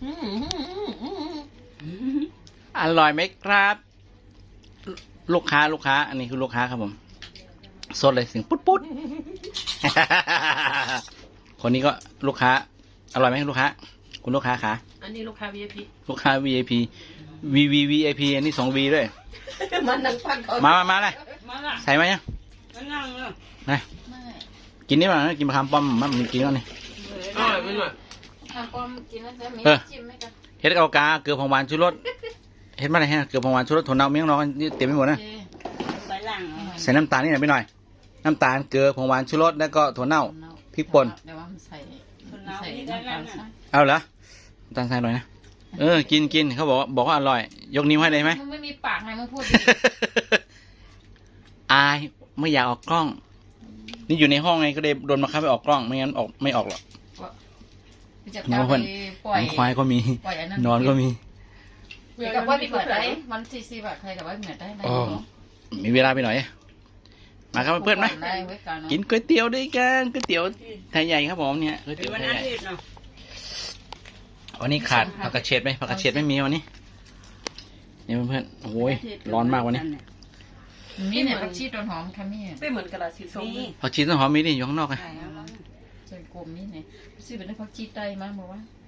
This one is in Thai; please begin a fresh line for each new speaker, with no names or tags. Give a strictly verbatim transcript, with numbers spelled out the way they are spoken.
อร่อยไหมครับ ลูกค้าลูกค้า อันนี้คือลูกค้าครับผมสดเลยเสียงปุ๊ดปุ๊ด คนนี้ก็ลูกค้า อร่อยไหมลูกค้า คุณลูกค้าขา
อันนี้ลูกค้า วี ไอ พี
ลูกค้า วี ไอ พี V V V I P อันนี้สอง V ด้วย
มันนั่งฟังเขา
มามามาเลย
มาละ
ใส่มายัง
มานั่งเลย
นะกินนี่มากินมะขามป้อมมันมันกินแล้วนี่
อร่อยไหมหน่อย
ทำความกินแล้วจะมี
เออ
จิ้มไหมกัน
เฮ็ดเอากาเกลือผงหวานชูรสเฮ็ดมาอะไรฮะเกลือผงหวานชูรสถั่วเน่าเมี่ยงน้องนี่เต็มไปหมดนะ
โอเค
ไปหลัง
ใส่น้ำตาลนี่หน่อยไปหน่อย น้ำตาลเกลือผงหวานชูรสแล้วก็ถั่วเน่า พริกป่น
เดี๋ยวว่ามันใส่
คน
มัน
เรา
ใส่
ที่ได้
น้ำ
แล้
ตาว ลใส่
นะ
เอาเหรอน้ำตาลใส่หน่อยนะเออกินกินเขาบอกว่าบอกว่าอร่อย ยกนิ้วให้เลยไหม
มึงไม่มีปากไงมึงพูดดิ
อายไม่อยากออกกล้อง นี่อยู่ในห้องไงก็เลยโดนมาคับไปออกกล้องไม่งั้นออกไม่ออกหรอก
จะ
น้
เอา
อง
ไป
เพิ่น
ปล่อย
น้องควายก็มี
ปล่อยอันนั้น
นอนก็มี
เดี๋ยวกับว่ามีเปิดได้มันซีซีแบบใครกับว่าเหมือนได้ได้
อ๋อ มีเวลาไปหน่อย มาครับเพื่อนไหม
ได้ไว้ก่อนเนอะ
กินก๋วยเตี๋ยวด้วยกันก๋วยเตี๋ยวไทยใหญ่ครับผมเนี่ยก๋วย
เป็
เตี๋ยว
นวัน
ไทย
อา
ใหญ่
ทิตย์เนาะ
วันนี้ขาดผักกระเฉดไหมผักกระเฉดไม่มีวันนี้นี่เพื่อนๆโอ้ยร้อนมากวันนี้
มีเนี่ยผักชีต้นหอมค่ะมี
ไม่เหมือนกระดาษสีส้ม
นี่
ผักชีต้นหอมมีนี่อยู่ข้างนอกไง
ใส่กลมนี่เนี่ยซื้อเป็นได้ผักชีไตมาบอกว่า